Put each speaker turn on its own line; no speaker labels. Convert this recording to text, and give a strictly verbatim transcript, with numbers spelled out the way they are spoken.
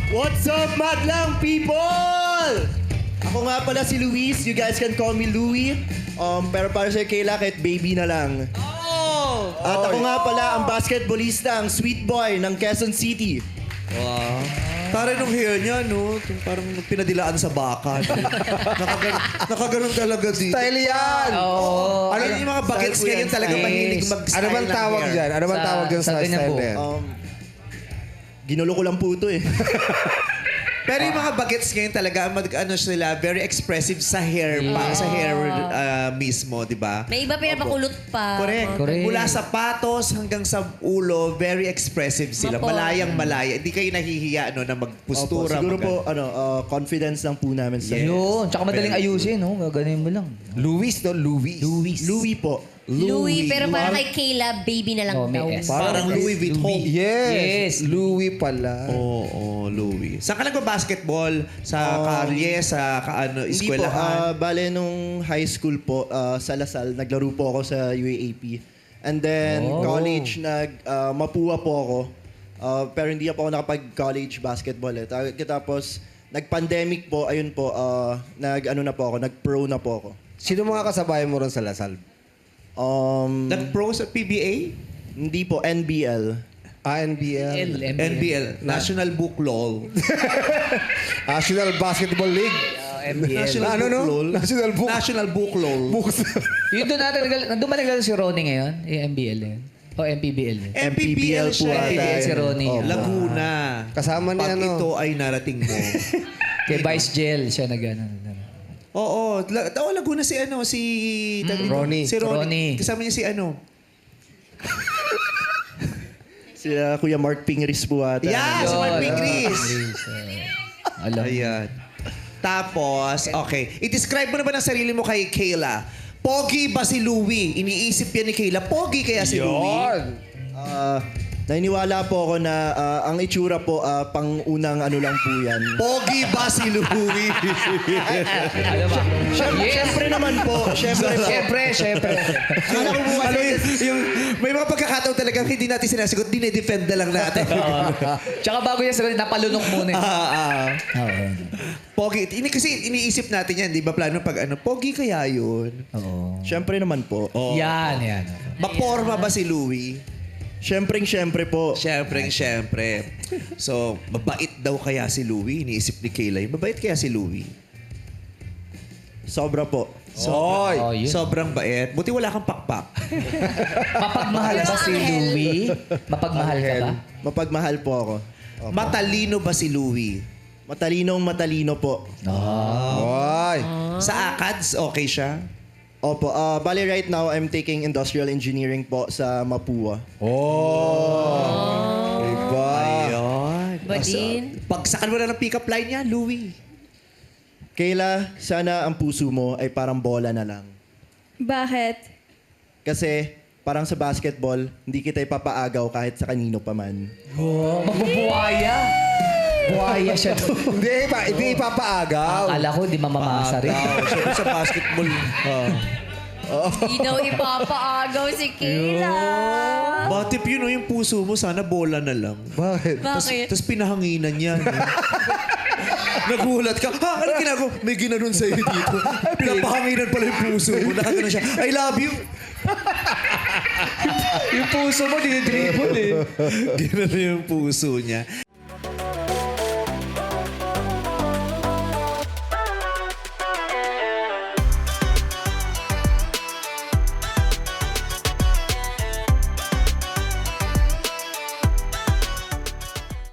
What's up, madlang people? Ako nga pala si Luis. You guys can call me Louie. Um, pero para sa Kayla, kahit baby na lang.
Oh!
At ako nga pala ang basketballista, ang sweet boy ng Quezon City.
Wow. Parang nung hair niya, no? Yung parang pinadilaan sa baka. No? Nakaganon, nakaganon talaga dito.
Style yan!
Oo.
Ano yung mga bagets
Style po yan,
ngayon talaga
style.
mahilig mag-style
Ano bang
ng
tawag
hair?
dyan? Ano bang
Sa-
tawag dyan
sa
sa
ganyan
style
po.
na yan?
Um, ginulo ko lang po ito eh.
Pero yung mga bagets ngayon talaga, mag, ano sila, very expressive sa hair pa, sa hair ah, mismo, di ba?
May iba pinapakulot pa.
Correct.
Correct.
Mula sapatos hanggang sa ulo, very expressive sila.
Opo.
Malayang malaya. Hindi kayo nahihiya no, na
Opo,
magpustura.
siguro
mag-
po, ano, uh, confidence lang po namin sa
Yun. Tsaka madaling ayusin, no? Gaganin mo lang.
Louis, no? Louis.
Louis.
Louis po.
Louis, pero para kay Kayla, baby na lang
Oh, may
daw.
S.
Parang Louis Vuitton.
Yes.
Yes.
Louis pala.
Oo, oh, Louis. Saan ka nagba-basketball? Sa kalye, sa ka, ano,
Hindi po,
eskwelahan?
ah, bale nung high school po, ah, sa Lasal, naglaro po ako sa U A A P. And then,
Oh.
college, nag, ah, Mapua po ako. Ah, pero hindi po ako nakapag-college basketball eh. Ta- Tapos, nag-pandemic po, ayun po, ah, nag-ano na po ako, nag-pro na po ako.
Sino mga kasabay mo ron sa Lasal?
Um,
Nag-pro sa P B A?
hindi po, N B L.
Ah, N B L.
N B L. National Book Law.
National Basketball League.
M B L.
National
Ano,
Book
no?
Law.
National Book.
National Book Law.
Books.
Yun doon natin, nagal- nandun ba naglaro si Ronnie ngayon? Yung M B L yun. O M P B L yun.
M P B L
po
siya.
ata.
M P B L si Ronnie.
Oh,
Laguna.
Kasama ni
Pag
ano?
ito ay narating mo.
Kay Vice Gel siya nag ano.
Oo. La- oh, Laguna si ano, si... tawag dito?
Ronnie.
Si Ronnie.
Ronnie.
Kasama niya si ano.
Sila Kuya Mark Pingris po ata.
Yeah, si Mark Pingris.
Alam.
Ayan. Tapos, okay. I-describe mo na ba ng sarili mo kay Kayla? Pogi ba si Louie? Iniisip yan ni Kayla. Pogi kaya si Louie?
Yun.
Ah, naniniwala po ako na ah, ang itsura po, ah, pang unang ano lang po yan.
Pogi ba si Louie?
Alam ba?
Siyempre,
Yes.
siyempre naman po. Siyempre po.
Siyempre, siyempre.
ano, ano yun, yung, may mga pagkakataon talaga hindi natin sinasagot, dinedefend na lang natin.
Tsaka bago niya sabihin, napalunok muna. eh.
Ah, ah.
Oo.
Pogi. Ini, kasi iniisip natin yan, di ba? Plano pag ano, pogi kaya yun?
Oo.
Siyempre naman po.
Yan, yan.
Maporma ba si Louie?
Siyempre, siyempre po.
Siyempre, siyempre. So, mabait daw kaya si Louie? Iniisip ni Kayla, yun. Mabait kaya si Louie?
Sobra po.
Sobrang,
Oh, yun.
sobrang bait. Buti wala kang pakpak.
Mapagmahal ba si Louie? Mapagmahal ka ba?
Mapagmahal po ako.
Matalino ba si Louie?
Matalinong matalino po.
Oy.
Sa ACADS, okay siya?
Opo. ah bali right now, I'm taking industrial engineering po sa Mapua.
Oh. Iba.
Ayun.
Ba din?
Pagsakan mo na ng pick-up line niya, Louie.
Kayla, sana ang puso mo ay parang bola na lang.
Bakit?
Kasi parang sa basketball, hindi kita ipapaagaw kahit sa kanino pa man.
Oh, mabubuhaya. Buhaya siya.
Hindi, ipa, hindi ipapaagaw.
Akala ko, di mamamasa rin.
Agaw. Siyempre sa basketball.
Hindi daw ipapaagaw si Kayla.
Batip yun, oh, yung puso mo, sana bola na lang.
Bakit?
Bakit?
Tapos pinahanginan niya. No? Nagulat ka. Ha? Ano ginagawa? May ginanon sa'yo dito. Pinapahanginan pala yung puso mo. Nakagano siya. I love you.
Yung puso mo, dinidribble eh.
Ginanon yung puso niya.